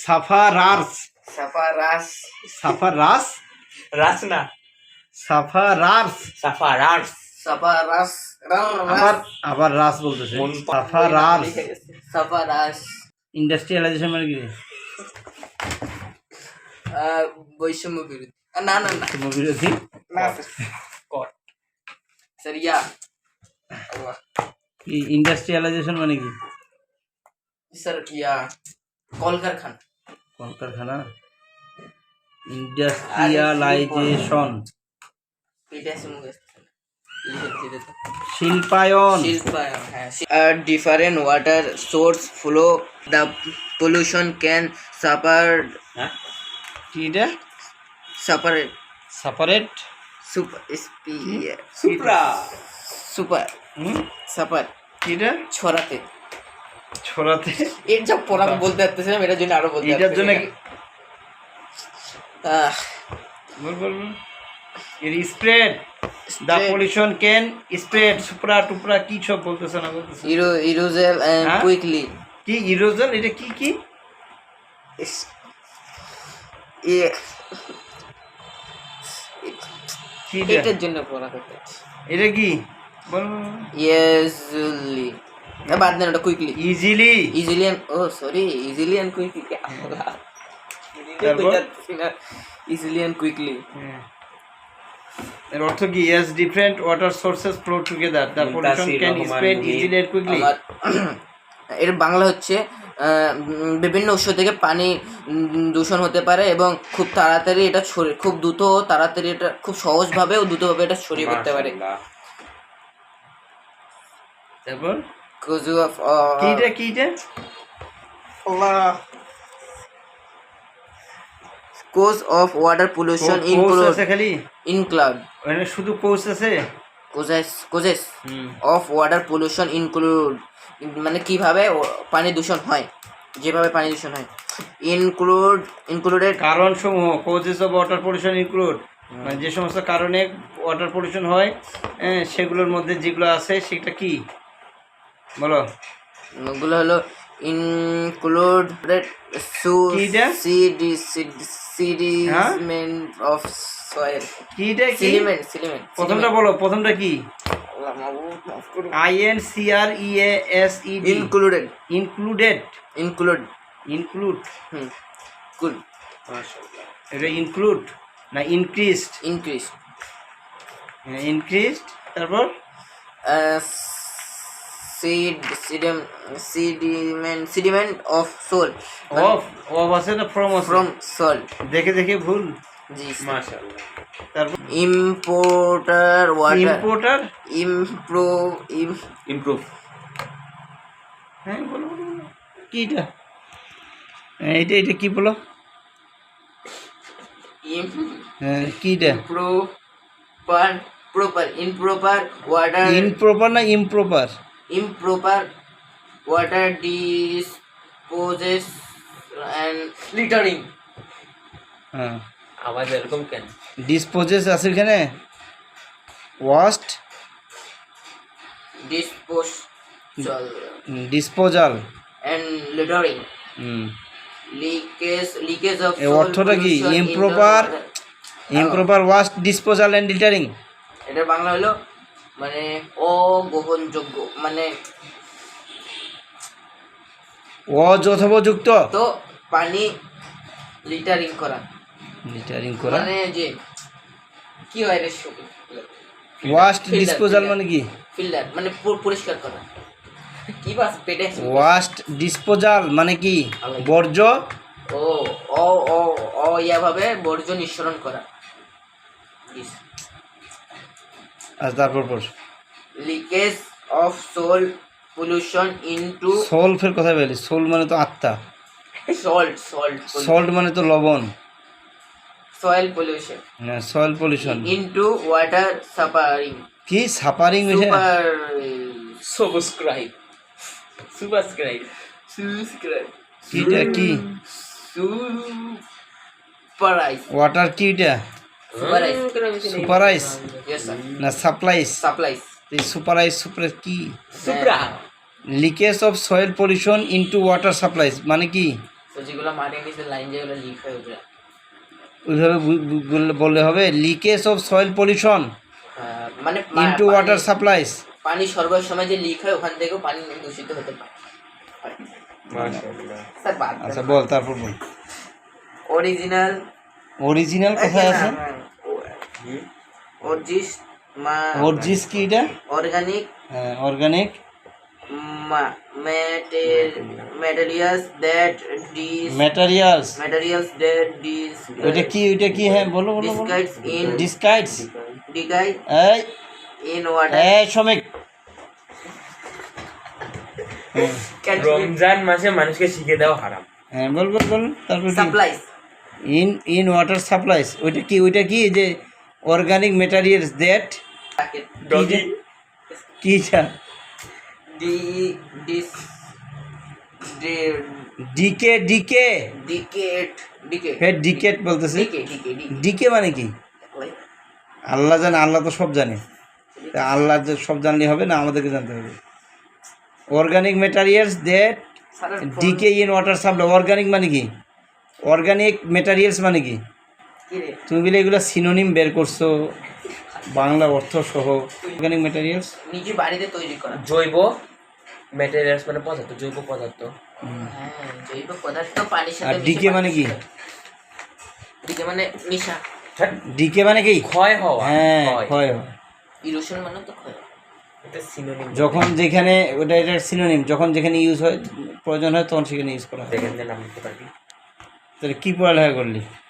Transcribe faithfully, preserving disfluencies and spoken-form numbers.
Sufferers sufferers sufferers রাস না sufferers sufferers sufferers আবার আবার রাস বলতেছে সাফারাস সাফারাস ইন্ডাস্ট্রিয়ালাইজেশন মানে কি বৈষম্য বিরোধী আহ, না না না বিরোধী না কট স্যার ইয়া ইন্ডাস্ট্রিয়ালাইজেশন মানে কি স্যার ইয়া কলকারখানা কলকারখানা ইন্ডাস্ট্রিয়ালাইজেশন এটা আছে মুখে শিল্পায়ন শিল্পায়ন হ্যাঁ different water source flow the pollution can supper হ্যাঁ কি এটা সাপারেট সেপারেট সুপার স্পি সুপ্রা সুপার হুম সাপার কি এটা ছড়াতে ছড়াতে এর যা পড়া বলতে পারতেছিলাম এটার জন্য আরো বলতে এটার জন্য কি- আহ বল বল বল। এর spread the pollution can spread সুপ্রা টুপরা কি সব বলতেছে না বলতেছে ইরো ইরোজেল এন্ড হ্যাঁ? কুইকলি কি ইরোজন এটা কি কি কি এটা এটার জন্য পড়া করতে এটা কি বল বল ইয়েজলি না বাদ দেন ওটা কুইকলি ইজিলি ইজিলি ও সরি ইজিলি এন্ড কুইকলি তারপর? ইজিলি এন্ড কুইকলি এর অর্থ কি as different water sources flow together the pollution can spread easily and quickly এর বাংলা হচ্ছে আহ, উম, বিভিন্ন উৎস থেকে পানি উম, দূষণ হতে পারে এবং খুব তাড়াতাড়ি এটা ছড়িয়ে খুব দ্রুত ও তাড়াতাড়ি এটা খুব সহজভাবে ও দ্রুতভাবে এটা ছড়িয়ে পড়তে পারে তারপর Cause of, কি uh, এটা কি এটা cause of water pollution course include আছে খালি include ওখানে শুধু কোর্স আছে causes causes hmm of water pollution include মানে কিভাবে ও- পানি দূষণ হয় যেভাবে পানি দূষণ হয় include included কারণ সমূহ causes of water pollution include মানে যে সমস্ত কারণে ওয়াটার পলিউশন হয় হ্যাঁ, সেগুলোর মধ্যে যেগুলো আছে সেটা কি বলো ওগুলো হলো included কি এটা? sediment of soil কি এটা কি sediment sediment প্রথমটা বলো প্রথমটা কি I N C R E A S E D included included include include hmm cool এটা ইনক্লুড না ইনক্রিজড increase ইনক্রিজড তারপর uh, seed sediment sediment sediment of soil of of আছে না ফ্রম আছে from soil দেখে দেখে ভুল জি মাশাআল্লাহ তারপর importer water importer improve im, improve হ্যাঁ বলো বলো বলো। কি এটা হ্যাঁ, এটা এটা কি বলো im হ্যাঁ কি এটা proper proper improper water improper না improper improper water disposes and littering হ্যাঁ আওয়াজ এরকম কেন ডিসপোজেস আছে এখানে waste dispose disposal and littering hmm leakage leakage of a soil অর্থটা কি? pollution in the Improper- water. Improper waste disposal and littering এটা বাংলা হলো মানে অগ্রহণযোগ্য মানে অযথোপযুক্ত তো পানি লিটারিং করা লিটারিং করা মানে যে কি হয় রে ওয়াস্ট Filter, ডিসপোজাল filter. মানে কি ফিল্টার মানে পু- পরিষ্কার করা কি বাস পেটে ওয়াস্ট ডিসপোজাল মানে কি বর্জ্য ও ও ও ও ইয়া ভাবে বর্জ্য নিঃসরণ করা আর তারপর পর leakage of soil pollution into soil ফের কথা বলি সোল মানে তো আত্মা সল্ট সল্ট সল্ট মানে তো লবণ soil pollution soil pollution into water সাপারিং কি সাপারিং মিশে সুপার সাবস্ক্রাইব সাবস্ক্রাইব সাবস্ক্রাইব কিটা কি সুপারাইজ ওয়াটার কিটা সুপারাইজ সুপারাইজ ইয়েস স্যার না সাপ্লাইজ সাপ্লাইজ এই সুপারাইজ সুপার কি সুপ্রা leakage of soil pollution into water supplies মানে কি তো যেগুলো মাটির নিচে লাইন যেগুলো লিক হয়ে ওঠে, ওইভাবে বু- বু- বললে- বললে হবে leakage of soil pollution ah, মানে ইনটু পানি- ওয়াটার সাপ্লাইস। পানি সরবরাহের সময় যে লিক হয় ওখান থেকেও পানি দূষিত হতে পারে। মাশাআল্লাহ। স্যার বাদ আচ্ছা বল, তারপর বল। অরিজিনাল অরিজিনাল কোথায় আছে? অরজিস অরজিস কি এটা? অর্গানিক হ্যাঁ, organic materials that this materials. Materials that this ওইটা কি ওইটা কি হ্যাঁ বলো বলো বলো। ডিসকাইডস ইন ডিসকাইডস। ডিকাই এই ইন ওয়াটার এই শ্রমিক। রমজান মাসে মানুষকে শিখে দেওয়া হারাম। হ্যাঁ বল বল বল, তারপর কি? Supplies in in water supplies. ওইটা কি ওইটা কি যে অর্গানিক ম্যাটেরিয়ালস দ্যাট ডগি কি এটা? ডি ডিস ডিকে ডিকে ডিকেট ডিকে ফের ডিকেট বলতেছে। ডিকে ডিকে ডিকে মানে কি? আল্লাহ জানে, আল্লাহ তো সব জানে। তা আল্লাহ যে সব জানলে হবে না, আমাদেরকে জানতে হবে। Organic materials that decay in water supply. Organic মানে কি? অর্গানিক ম্যাটেরিয়ালস মানে কি? কি রে তুমি বলে এগুলো সিনোনিম বের করছো বাংলা অর্থ সহ। অর্গানিক ম্যাটেরিয়ালস নিজে বাড়িতে তৈরি করা। জৈব ম্যাটেরিয়ালস মানে পদার্থ, জৈব পদার্থ। হ্যাঁ জৈব পদার্থ পানির আর সাথে ডিকে মানে কি? ডিকে মানে মিশা। হ্যাঁ, ডিকে মানে কি? ক্ষয় হওয়া। হ্যাঁ ক্ষয়। ক্ষয় হয়। ইরোশন মানে তো ক্ষয়। এটা সিনোনিম। যখন যেখানে ওটা এটার সিনোনিম, যখন যেখানে ইউজ হয় প্রয়োজন হয় তখন সেখানে ইউজ করা হয়। দেখেন যে নাম লিখতে পারবি। তাহলে কি পড়ালেখা করলি?